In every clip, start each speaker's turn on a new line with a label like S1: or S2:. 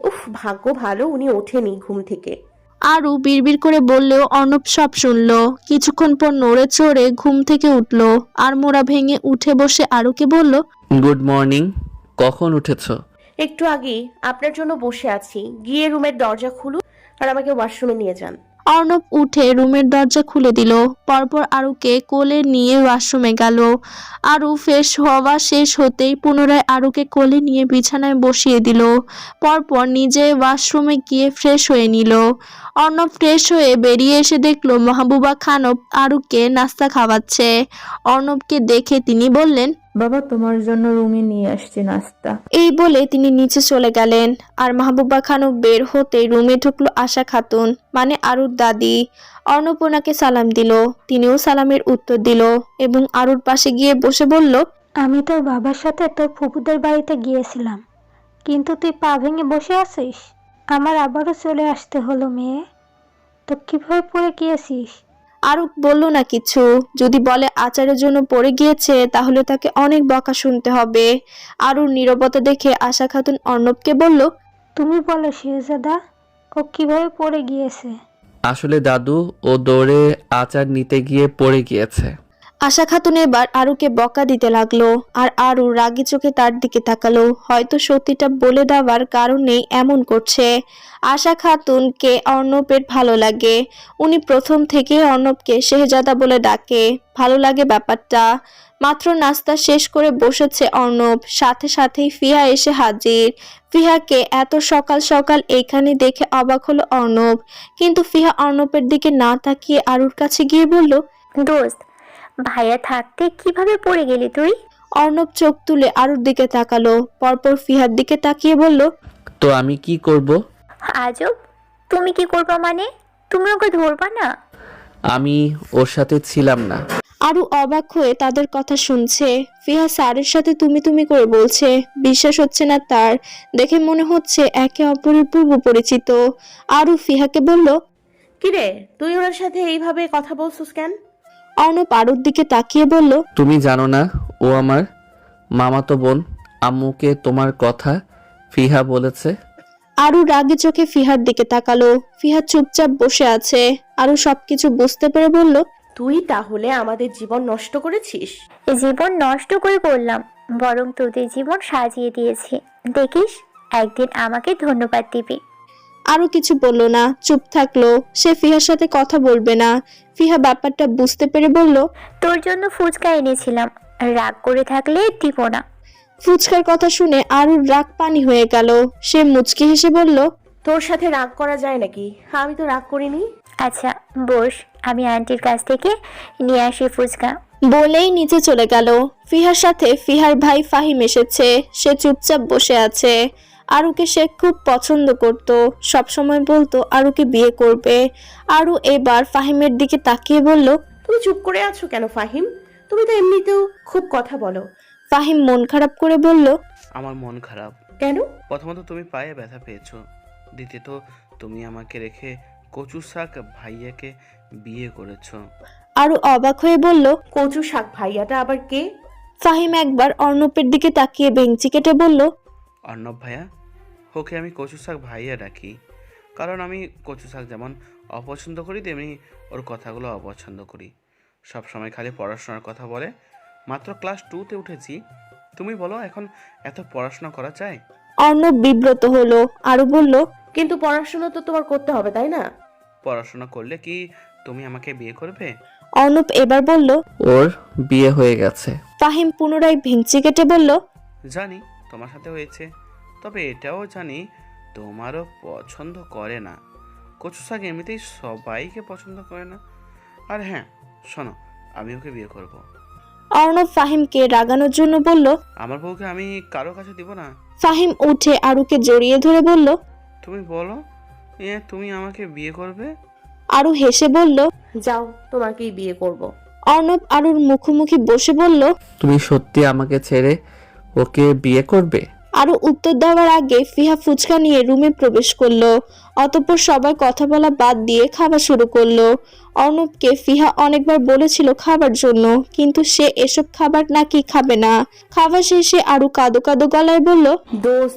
S1: উফ, ভাগ্য ভালো উনি ওঠেনি ঘুম থেকে।
S2: আরু বিড়বিড় করে বললেও অর্ণব সব শুনলো। কিছুক্ষণ পর নড়ে চড়ে ঘুম থেকে উঠলো আর মোড়া ভেঙে উঠে বসে আরুকে বলল,
S3: গুড মর্নিং। কখন উঠেছ?
S1: একটু আগেই আপনার জন্য বসে আছি, গিয়ে রুমের দরজা খুলুন আর আমাকে ওয়াশরুমে নিয়ে যান।
S2: অর্ণব উঠে রুমের দরজা খুলে দিল। পরপর আরুকে কোলে নিয়ে ওয়াশরুমে গেল। আরু ফ্রেশ হওয়া শেষ হতেই পুনরায় আরুকে কোলে নিয়ে বিছানায় বসিয়ে দিল। পরপর নিজে ওয়াশরুমে গিয়ে ফ্রেশ হয়ে নিল। অর্ণব ফ্রেশ হয়ে বেরিয়ে এসে দেখলো মাহবুবা খানম আরুকে নাস্তা খাওয়াচ্ছে। অর্ণবকে দেখে তিনি বললেন,
S4: বাবা, তোমার জন্য রুমে নিয়ে আসছি নাস্তা।
S2: এই বলে তিনি নিচে চলে গেলেন। আর মাহবুবা খানম বের হতেই রুমে ঢুকলো আশা খাতুন, মানে আরুর দাদি। অর্ণব ওনাকে সালাম দিল, তিনিও সালামের উত্তর দিল এবং আরুর পাশে গিয়ে বসে বলল,
S5: আমি তোর বাবার সাথে তোর ফুপুদের বাড়িতে গিয়েছিলাম, কিন্তু তুই পা ভেঙে বসে আছিস। আমার আবারও চলে আসতে হলো মেয়ে। তো কিভাবে পড়ে গিয়েছিস?
S2: আরু বলল না কিছু। যদি বলে আচারের জন্য পড়ে গিয়েছে তাহলে তাকে অনেক বকা শুনতে হবে। আরুর নীরবতা দেখে আশা খাতুন অর্ণবকে বলল,
S5: তুমি বলো শেহজাদা, ও কিভাবে পড়ে গিয়েছে?
S3: আসলে দাদু ও দৌড়ে আচার নিতে গিয়ে পড়ে গিয়েছে।
S2: আশা খাতুন এবার আরুকে বকা দিতে লাগলো আর আরু রাগী চোখে তার দিকে তাকালো। হয়তো সত্যিটা বলে দেওয়ার কারণেই এমন করছে। আশা খাতুনকে অর্ণবের ভালো লাগে। উনি প্রথম থেকে অর্ণবকে শেহজাদা বলে ডাকে। ভালো লাগে ব্যাপারটা। মাত্র নাস্তা শেষ করে বসেছে অর্ণব, সাথে সাথেই ফিহা এসে হাজির। ফিহাকে এত সকাল সকাল এখানে দেখে অবাক হলো অর্ণব, কিন্তু ফিহা অর্ণবের দিকে না তাকিয়ে আরুর কাছে গিয়ে বলল,
S6: দোস্ত, ভাইয়া থাকতে কিভাবে পড়ে গেলি তুই?
S2: অর্ণব চোখ তুলে আরুর দিকে তাকালো, পরপর ফিহার দিকে তাকিয়ে বলল,
S3: তো আমি কি করব?
S6: আজব, তুমি কি করবা মানে? তুমি ওকে ধরবা না?
S3: আমি ওর সাথে ছিলাম না।
S2: আরু অবাক হয়ে তাদের কথা শুনছে। ফিহা স্যারের সাথে তুমি তুমি করে বলছে। বিশ্বাস হচ্ছে না তার। দেখে মনে হচ্ছে একে অপরের পূর্ব পরিচিত। আরু ফিহাকে বলল,
S1: কিরে, তুই ওনার সাথে এইভাবে কথা বলছিস কেন?
S2: অর্ণব আরুর দিকে তাকিয়ে বলল,
S3: তুমি জানো না ও আমার মামাতো বোন। আম্মুকে তোমার কথা ফিহা বলেছে।
S2: আরু রাগে চোখে ফিহার দিকে তাকালো। ফিহা চুপচাপ বসে আছে। আরু সবকিছু বুঝতে পেরে বলল,
S1: তুই তাহলে আমাদের জীবন নষ্ট করেছিস?
S6: জীবন নষ্ট করে করলাম, বরং তোদের জীবন সাজিয়ে দিয়েছি। দেখিস, একদিন আমাকে ধন্যবাদ দিবি।
S2: আরু কিছু বলল না, চুপ থাকলো। সে ফিহার সাথে কথা বলবে না। ফিহা ব্যাপারটা বুঝতে পেরে বলল,
S6: তোর জন্য ফুচকা এনেছিলাম, রাগ করে থাকলে দিব না।
S2: ফুচকার কথা শুনে আরুর রাগ পানি হয়ে গেল। সে মুচকি হেসে বলল,
S1: তোর সাথে রাগ করা যায় নাকি? আমি তো রাগ করিনি।
S6: আচ্ছা বস, আমি আন্টির কাছ থেকে নিয়ে আসি ফুচকা।
S2: বলেই নিচে চলে গেল। ফিহার সাথে ফিহার ভাই ফাহিম এসেছে। সে চুপচাপ বসে আছে। আরুকে সে খুব পছন্দ করত, সবসময় বলতো আরুকে বিয়ে করবে। আরু এবার ফাহিমের দিকে তাকিয়ে বলল,
S1: তুমি চুপ করে আছো কেন ফাহিম? তুমি তো এমনিতেও খুব কথা বলো।
S2: ফাহিম মন খারাপ করে বলল,
S7: আমার মন খারাপ।
S1: কেন?
S7: প্রথমত তুমি পায়ে ব্যথা পেয়েছো, দ্বিতীয়ত তুমি আমাকে রেখে কচু শাক ভাইয়াকে বিয়ে করেছো।
S2: আরু অবাক হয়ে বলল,
S1: কচু শাক ভাইয়াটা আবার কে?
S2: ফাহিম একবার অর্ণবের দিকে তাকিয়ে ভেঙচি কেটে বলল,
S7: অর্ণব ভাইয়া, ওকে আমি কচু শাক ভাইয়া ডাকি, কারণ আমি কচু শাক যেমন অপছন্দ করি তেমনি ওর কথাগুলো অপছন্দ করি। সব সময় খালি পড়াশোনার কথা বলে। মাত্র ক্লাস 2তে উঠেছি। তুমি বলো এখন এত পড়াশোনা করা চাই?
S2: অর্ণব বিব্রত হলো। আরু বলল,
S1: কিন্তু পড়াশোনা তো তোমার করতে হবে, তাই না?
S7: পড়াশোনা করলে কি তুমি আমাকে বিয়ে করবে?
S2: অর্ণব এবার বলল।
S3: ওর বিয়ে হয়ে গেছে।
S2: ফাহিম পুনরায় ভেঙচি কেটে বলল,
S7: জানি তোমার সাথে হয়েছে, তবে এটাও জানি তোমারও পছন্দ করে না। কচু শাক এমনিতেই সবাইকে পছন্দ করে না। আর হ্যাঁ শোনো, আমি ওকে বিয়ে করব।
S2: অর্ণব ফাহিমকে রাগানোর জন্য বলল।
S7: আমার বউকে আমি কারো কাছে দিব না।
S2: ফাহিম উঠে আরুকে জড়িয়ে ধরে বলল,
S7: তুমি বলো, তুমি আমাকে বিয়ে করবে?
S2: আরু হেসে বলল,
S1: যাও, তোমাকেই বিয়ে করব।
S2: অর্ণব আরুর মুখোমুখি বসে বলল,
S3: তুমি সত্যি আমাকে ছেড়ে ওকে বিয়ে করবে?
S2: আরু উত্তর দেওয়ার আগে ফিহা ফুচকা নিয়ে রুমে প্রবেশ করলো। অতঃপর সবাই কথা বলা বাদ দিয়ে খাওয়া শুরু করলো। অর্ণবকে ফিহা অনেকবার বলেছিল খাবার জন্য, কিন্তু সে এসব খাবার নাকি খাবে না। খাওয়া শেষে আরু কাঁদো কাঁদো গলায় বলল,
S1: দোস্ত,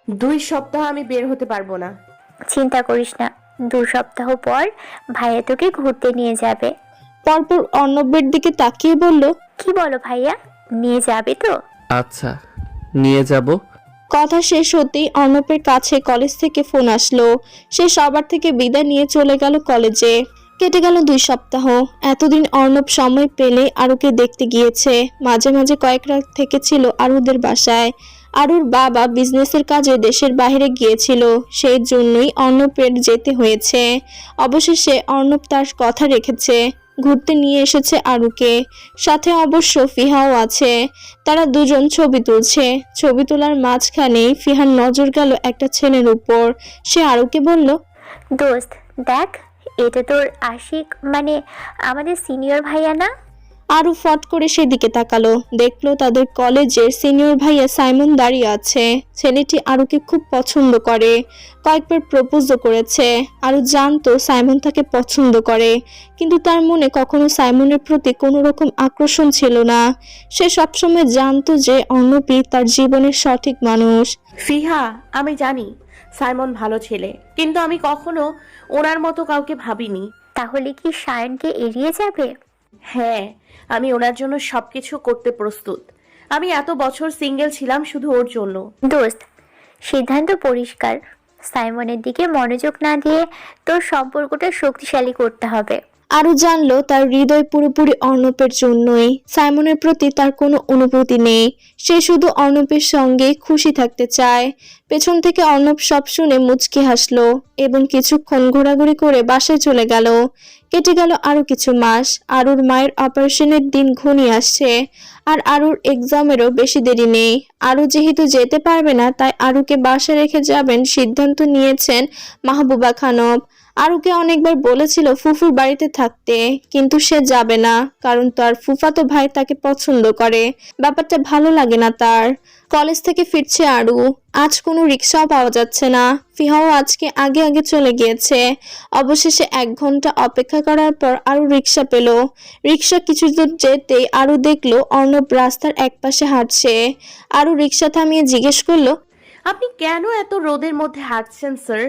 S1: 2 সপ্তাহ আমি বের হতে পারবো না।
S6: চিন্তা করিস না, 2 সপ্তাহ পর ভাইয়া তোকে ঘুরতে নিয়ে যাবে।
S2: পরপর অর্ণবের দিকে তাকিয়ে বলল,
S6: কি বলো ভাইয়া, নিয়ে যাবে তো?
S3: আচ্ছা, নিয়ে যাব।
S2: কথা শেষ হতেই অর্ণবের কাছে কলেজ থেকে ফোন আসলো। সে সবার থেকে বিদায় নিয়ে চলে গেল কলেজে। কেটে গেল 2 সপ্তাহ। এতদিন অর্ণব সময় পেলে আরুকে দেখতে গিয়েছে। মাঝে মাঝে কয়েক রাত থেকেছিল আরুদের বাসায়। আরুর বাবা বিজনেসের কাজে দেশের বাইরে গিয়েছিল, সেই জন্যই অর্ণবের যেতে হয়েছে। অবশেষে অর্ণব তার কথা রেখেছে, ঘুরতে নিয়ে এসেছে আরুকে। সাথে অবশ্য ফিহাও আছে। তারা দুজন ছবি তুলছে। ছবি তোলার মাঝখানেই ফিহার নজর গেল একটা ছেলের উপর। সে আরুকে বলল,
S6: দোস্ত দেখ, এটা তোর আশিক, মানে আমাদের সিনিয়র ভাইয়া না?
S2: আরু ফট করে সেদিকে তাকালো, দেখলো তাদের কলেজের সিনিয়র ভাইয়া সাইমন দাঁড়িয়ে আছে। ছেলেটি আরুকে খুব পছন্দ করে, কয়েকবার প্রপোজও করেছে। আরু জানতো সাইমন তাকে পছন্দ করে, কিন্তু তার মনে কখনো সাইমনের প্রতি কোনো রকম আকর্ষণ ছিল না। সে সবসময় জানতো যে অর্ণবই তার জীবনের সঠিক মানুষ।
S1: ফিহা, আমি জানি সাইমন ভালো ছেলে, কিন্তু আমি কখনো ওনার মতো কাউকে ভাবিনি।
S6: তাহলে কি সায়নকে এড়িয়ে যাবে?
S1: হ্যাঁ, আমি ওনার জন্য সবকিছু করতে প্রস্তুত। আমি এত বছর সিঙ্গেল ছিলাম শুধু ওর জন্য।
S6: দোস্ত, সিদ্ধান্ত পরিষ্কার, সাইমনের দিকে মনোযোগ না দিয়ে তোর সম্পর্কটা শক্তিশালী করতে হবে।
S2: আরু জানলো তার হৃদয় পুরোপুরি অর্ণবের জন্যই। সাইমনের প্রতি তার কোনো অনুভূতি নেই। সে শুধু অর্ণবের সঙ্গে খুশি থাকতে চায়। পেছন থেকে অর্ণব সব শুনে মুচকি হাসলো এবং কিছুক্ষণ ঘোরাঘুরি করে বাসায় চলে গেল। কেটে গেল আরো কিছু মাস। আরুর মায়ের অপারেশনের দিন ঘনিয়ে আসছে, আর আরুর এক্সামেরও বেশি দেরি নেই। আরু যেহেতু যেতে পারবে না, তাই আরুকে বাসায় রেখে যাবেন সিদ্ধান্ত নিয়েছেন মাহবুবা খানম। আরুকে অনেকবার বলেছিল ফুফুর বাড়িতে থাকতে, কিন্তু সে যাবে না, কারণ তার ফুফাতো ভাই তাকে পছন্দ করে। ব্যাপারটা ভালো লাগে না তার। কলেজ থেকে ফিরছে আরু। আজ কোনো রিক্সাও পাওয়া যাচ্ছে না। ফিহাও আজকে আগে আগে চলে গিয়েছে। অবশেষে 1 ঘন্টা অপেক্ষা করার পর আরু রিক্সা পেল। রিক্সা কিছু দূর যেতেই আরু দেখলো অর্ণব রাস্তার একপাশে হাঁটছে। আরু রিক্সা থামিয়ে জিজ্ঞেস করলো,
S1: আপনি কেন এত রোদের মধ্যে হাঁটছেন স্যার?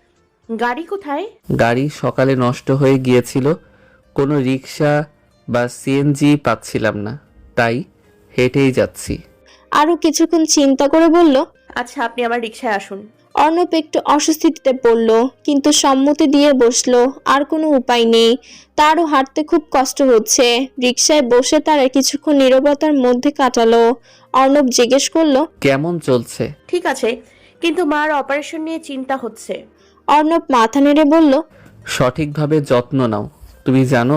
S1: গাড়ি কোথায়?
S3: গাড়ি সকালে নষ্ট হয়ে গিয়েছিল, কোনো রিক্সা বা সিএনজি পাচ্ছিলাম না, তাই হেঁটেই যাচ্ছি।
S2: আরু কিছুক্ষণ চিন্তা করে বলল,
S1: আচ্ছা, আপনি আমার রিক্সায় আসুন।
S2: অর্ণব একটু অস্বস্তিতে পড়ল, কিন্তু সম্মতি দিয়ে বসলো। আর কোনো উপায় নেই, তারও হাঁটতে খুব কষ্ট হচ্ছে। রিকশায় বসে তারা কিছুক্ষণ নীরবতার মধ্যে কাটালো। অর্ণব জিজ্ঞেস করলো,
S3: কেমন চলছে?
S1: ঠিক আছে, কিন্তু মার অপারেশন নিয়ে চিন্তা হচ্ছে।
S2: অর্ণব মাথা নেড়ে বলল,
S3: সঠিকভাবে যত্ন নাও, তুমি জানো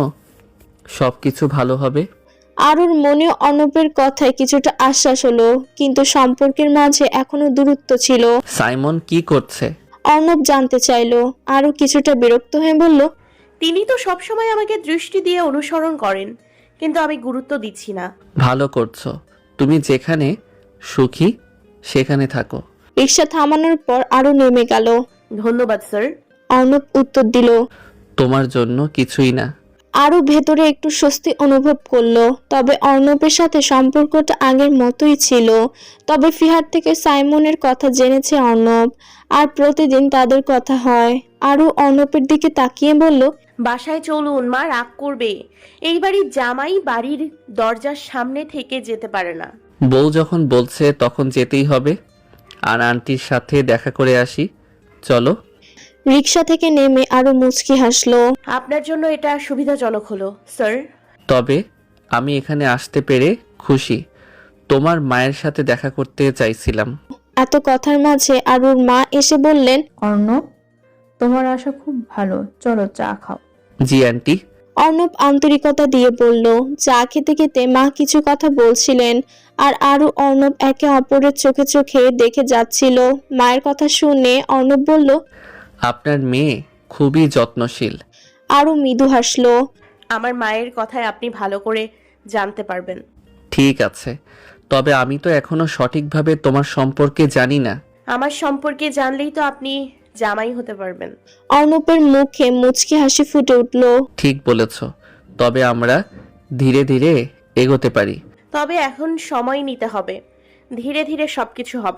S3: সব কিছু ভালো হবে।
S2: আরুর মনে অর্ণবের কথায় কিছুটা আশ্বাস হলো, কিন্তু সম্পর্কের মাঝে এখনো দূরত্ব ছিল।
S3: সাইমন কি করছে?
S2: অর্ণব জানতে চাইলো। আরু কিছুটা বিরক্ত হয়ে বলল,
S1: তিনি তো সবসময় আমাকে দৃষ্টি দিয়ে অনুসরণ করেন, কিন্তু আমি গুরুত্ব দিচ্ছি না।
S3: ভালো করছো, তুমি যেখানে সুখী সেখানে থাকো।
S2: রিকশা থামানোর পর আরু নেমে গেল।
S1: ধন্যবাদ স্যার।
S2: অর্ণব উত্তর দিল।
S3: তোমার জন্য কিছুই না।
S2: আরও ভেতরে একটু স্বস্তি অনুভব করলো। তবে অর্ণবের সাথে সম্পর্কটা আগের মতোই ছিল। তবে ফিহার থেকে সাইমনের কথা জেনেছে অর্ণব, আর প্রতিদিন তাদের কথা হয়। আরও অর্ণবের দিকে তাকিয়ে বলল,
S1: বাসায় চলুন, মা রাগ করবে। এই বাড়ির জামাই বাড়ির দরজার সামনে থেকে যেতে পারে না।
S3: বউ যখন বলছে তখন যেতেই হবে। আর আন্টির সাথে দেখা করে আসি, চলো।
S2: রিকশা থেকে নেমে আরও মুচকি হাসলো।
S1: আপনার জন্য এটা সুবিধাজনক হলো স্যার।
S3: তবে আমি এখানে আসতে পেরে খুশি, তোমার মায়ের সাথে দেখা করতে চাইছিলাম।
S2: এত কথার মাঝে আরুর মা এসে বললেন,
S4: অর্ণব, তোমার আশা খুব ভালো, চলো চা খাও।
S3: জি আন্টি।
S2: অর্ণব আন্তরিকতা দিয়ে বলল। চা খেতে খেতে মা কিছু কথা বলছিলেন, আর আরু অর্ণব একে অপরের চোখে চোখে দেখে যাচ্ছিল। মায়ের কথা শুনে অর্ণব বলল,
S3: আপনার মেয়ে খুবই যত্নশীল।
S2: আরু মৃদু হাসলো।
S1: আমার মায়ের কথায় আপনি ভালো করে জানতে পারবেন।
S3: ঠিক আছে, তবে আমি তো এখনো সঠিকভাবে তোমার সম্পর্কে জানি না।
S1: আমার সম্পর্কে জানলেই তো আপনি জামাই হতে পারবেন।
S2: অর্ণবের মুখে মুচকি হাসি ফুটে উঠল।
S3: ঠিক বলেছ, তবে আমরা ধীরে ধীরে এগোতে পারি।
S1: তবে এখন সময় নিতে হবে, ধীরে ধীরে সবকিছু হবে।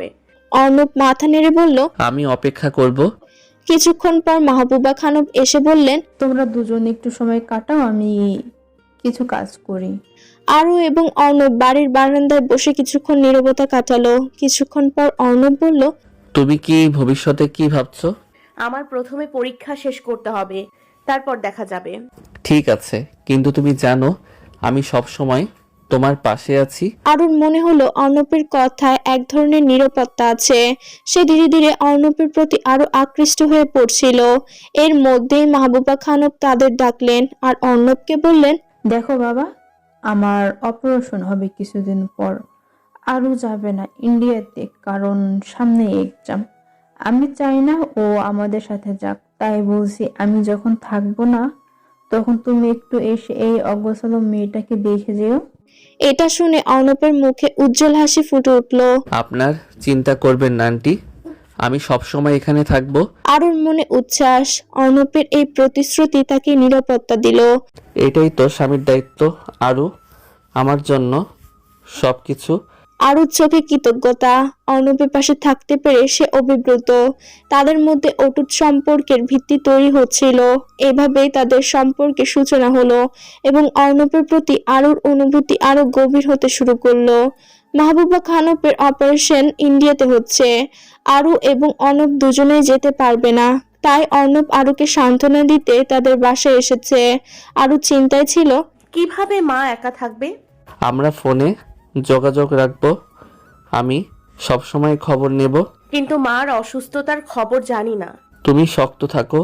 S2: অর্ণব মাথা নেড়ে বলল।
S3: আমি অপেক্ষা করব।
S2: কিছুক্ষণ পর মাহবুবা খানম এসে বললেন।
S4: তোমরা দুজন একটু সময় কাটাও, আমি কিছু কাজ করি।
S2: আরু এবং অর্ণব বাড়ির বারান্দায় বসে কিছুক্ষণ নীরবতা কাটালো। কিছুক্ষণ পর অর্ণব বলল।
S3: তুমি কি ভবিষ্যতে কি ভাবছো?
S1: আমার প্রথমে পরীক্ষা শেষ করতে হবে, তারপর দেখা যাবে।
S3: ঠিক আছে, কিন্তু তুমি জানো আমি সব সময় তোমার পাশে আছি।
S2: আরুর মনে হলো অর্ণবের কথায় এক ধরনের নিরাপত্তা আছে। সে ধীরে ধীরে অর্ণবের প্রতি আরো আকৃষ্ট হয়ে পড়ছিল। এর মধ্যেই মাহবুবা খানম তাদের ডাকলেন আর অর্ণবকে বললেন।
S4: দেখো বাবা, আমার অপারেশন হবে কিছুদিন পর। আরও যাবে না ইন্ডিয়াতে, কারণ সামনে এক্সাম। আমি চাই না ও আমাদের সাথে যাক, তাই বলছি আমি যখন থাকবো না তখন তুমি একটু এসে এই অগোছালো মেয়েটাকে দেখে যেও।
S2: এটা শুনে অর্ণবের মুখে উজ্জ্বল হাসি ফুটে উঠল।
S3: আপনার চিন্তা করবেন না আন্টি, আমি সব সময় এখানে থাকবো।
S2: আরুর মনে উচ্ছ্বাস। অর্ণবের এই প্রতিশ্রুতি তাকে নিরাপত্তা দিল।
S3: এটাই তো স্বামীর দায়িত্ব। আরও আমার জন্য সবকিছু।
S2: আরুর চোখে কৃতজ্ঞতা। অর্ণবের পাশে থাকতে পেরে সে অভিভূত। তাদের মধ্যে অটুট সম্পর্কের ভিত্তি তৈরি হচ্ছিল। এভাবেই তাদের সম্পর্কের সূচনা হলো এবং অর্ণবের প্রতি আরুর অনুভূতি আরো গভীর হতে শুরু করলো। মাহবুবা খানমের অপারেশন ইন্ডিয়াতে হচ্ছে। আরু এবং অর্ণব দুজনেই যেতে পারবে না, তাই অর্ণব আরুকে সান্ত্বনা দিতে তাদের বাসায় এসেছে। আরু চিন্তায় ছিল,
S1: কিভাবে মা একা থাকবে।
S3: আমরা ফোনে যোগাযোগ রাখবো, আমি সব সময় খবর নেব।
S1: কিন্তু মার অসুস্থতার খবর জানি না।
S3: তুমি শক্ত থাকো,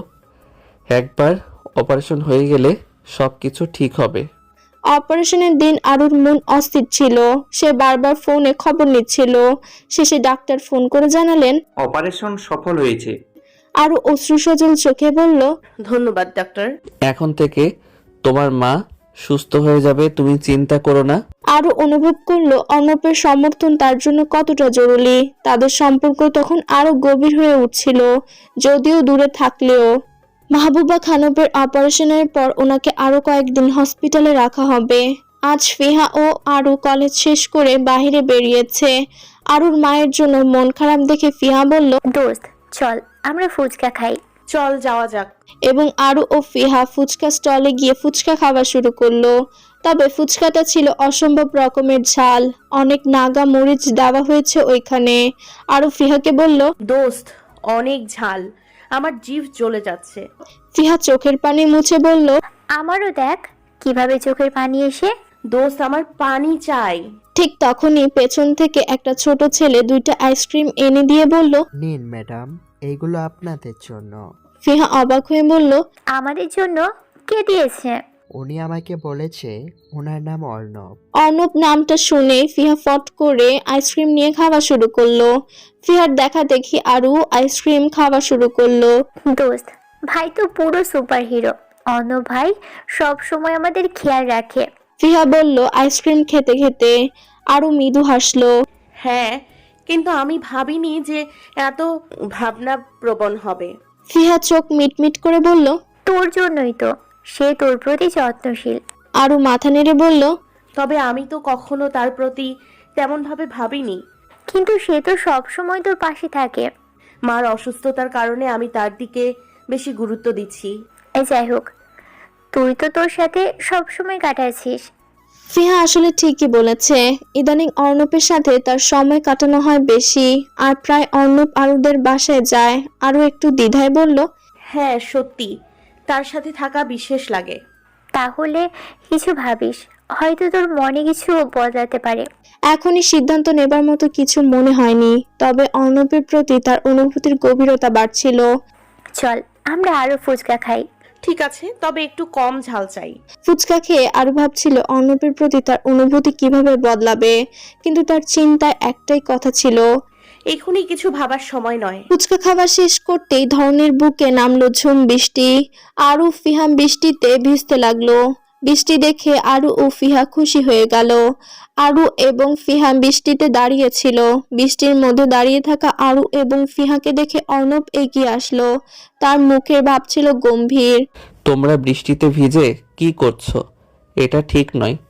S3: একবার অপারেশন হয়ে গেলে সবকিছু ঠিক হবে।
S2: অপারেশনের দিন আরুর মন অস্থির ছিল। সে বারবার ফোনে খবর নিচ্ছিল। শেষে ডাক্তার ফোন করে জানালেন
S8: অপারেশন সফল হয়েছে।
S2: আরু অশ্রুসজল চোখে বলল,
S1: ধন্যবাদ ডাক্তার।
S3: এখন থেকে তোমার মা সুস্থ হয়ে যাবে, তুমি চিন্তা করো না।
S2: আরু অনুভব করলো অর্ণবের সমর্থন তার জন্য কতটা জরুরি। তাদের সম্পর্ক তখন আরো গভীর হয়ে উঠছিল, যদিও দূরে থাকলেও। মাহবুবা খানমের অপারেশনের পর ওনাকে আরো কয়েকদিন হসপিটালে রাখা হবে। আজ ফিহা ও আরু কলেজ শেষ করে বাইরে বেরিয়েছে। আরুর মায়ের জন্য মন খারাপ দেখে ফিহা বলল,
S6: দোস্ত চল আমরা ফুচকা খাই।
S1: চল যাওয়া যাক।
S2: এবং আরু ও ফিহা ফুচকা স্টলে গিয়ে ফুচকা খাওয়া শুরু করলো। তবে ফুচকাটা ছিল অসম্ভব রকমের ঝাল। অনেক নাগা মরিচ দেওয়া হয়েছে ওইখানে। আরু ফিহাকে বলল,
S1: দোস্ত অনেক ঝাল, আমার জিভ জ্বলে যাচ্ছে।
S2: ফিহা চোখের পানি মুছে বলল,
S6: আমারও দেখ কিভাবে চোখের পানি এসে।
S1: দোস্ত আমার পানি চাই।
S2: ঠিক তখনই পেছন থেকে একটা ছোট ছেলে দুইটা আইসক্রিম এনে দিয়ে বলল,
S9: নিন ম্যাডাম, এইগুলো আপনাদের জন্য।
S2: ফিহা অবাক হয়ে বলল,
S6: আমাদের জন্য? কে দিয়েছে?
S9: উনি আমাকে বলেছে ওনার নাম অর্ণব।
S2: অর্ণব নামটা শুনে ফিহা ফট করে আইসক্রিম নিয়ে খাওয়া শুরু করলো। ফিহার দেখা দেখি আরু আইসক্রিম খাওয়া শুরু করলো।
S6: দোস্ত ভাই তো পুরো সুপার হিরো। অন্য ভাই সব সময় আমাদের খেয়াল রাখে।
S2: ফিহা বলল আইসক্রিম খেতে খেতে। আরু মৃদু হাসলো।
S1: হ্যাঁ, কিন্তু আমি ভাবিনি যে এত ভাবনা প্রবণ হবে।
S2: ফিহা চোখ মিটমিট করে বলল,
S6: তোর জন্যই তো, সে তোর প্রতি যত্নশীল।
S2: আরু মাথা নেড়ে বলল,
S1: তবে আমি তো কখনো তার প্রতি তেমন ভাবে ভাবিনি।
S6: কিন্তু সে তো সব সময় তোর পাশে থাকে।
S1: মার অসুস্থতার কারণে আমি তার দিকে বেশি গুরুত্ব দিচ্ছি।
S6: যাই হোক, তুই তো তোর সাথে সব সময় কাটাচ্ছিস।
S2: ফিহা আসলে ঠিকই বলেছে। ইদানিং অর্ণবের সাথে তার সময় কাটানো হয় বেশি। আর প্রায় অর্ণব আরুদের বাসায় যায়। আরু একটু দ্বিধায় বলল,
S1: হ্যাঁ সত্যি, তার সাথে থাকা বিশেষ লাগে।
S6: তাহলে কিছু ভাবিস, হয়তো তোর মনে কিছু বদলাতে পারে।
S2: এখনই সিদ্ধান্ত নেবার মতো কিছু মনে হয়নি। তবে অর্ণবের প্রতি তার অনুভূতির গভীরতা বাড়ছিল।
S6: চল আমরা আরো ফুচকা খাই।
S1: ঠিক আছে, তবে একটু কম ঝাল চাই।
S2: ফুচকা খেয়ে আরু ভাবছিল অর্ণবের প্রতি তার অনুভূতি কিভাবে বদলাবে। কিন্তু তার চিন্তায় একটাই কথা ছিল,
S1: এখনই কিছু ভাবার সময় নয়।
S2: ফুচকা খাওয়া শেষ করতেই ধরনের বুকে নামলো ঝুম বৃষ্টি। আরু ফিহা বৃষ্টিতে ভিজতে লাগলো। বৃষ্টি দেখে আরু ও ফিহা খুশি হয়ে গেল। আরু এবং ফিহা বৃষ্টিতে দাঁড়িয়েছিল। বৃষ্টির মধ্যে দাঁড়িয়ে থাকা আরু এবং ফিহাকে দেখে অর্ণব এগিয়ে আসলো। তার মুখের ভাব ছিল গম্ভীর।
S3: তোমরা বৃষ্টিতে ভিজে কি করছো? এটা ঠিক নয়।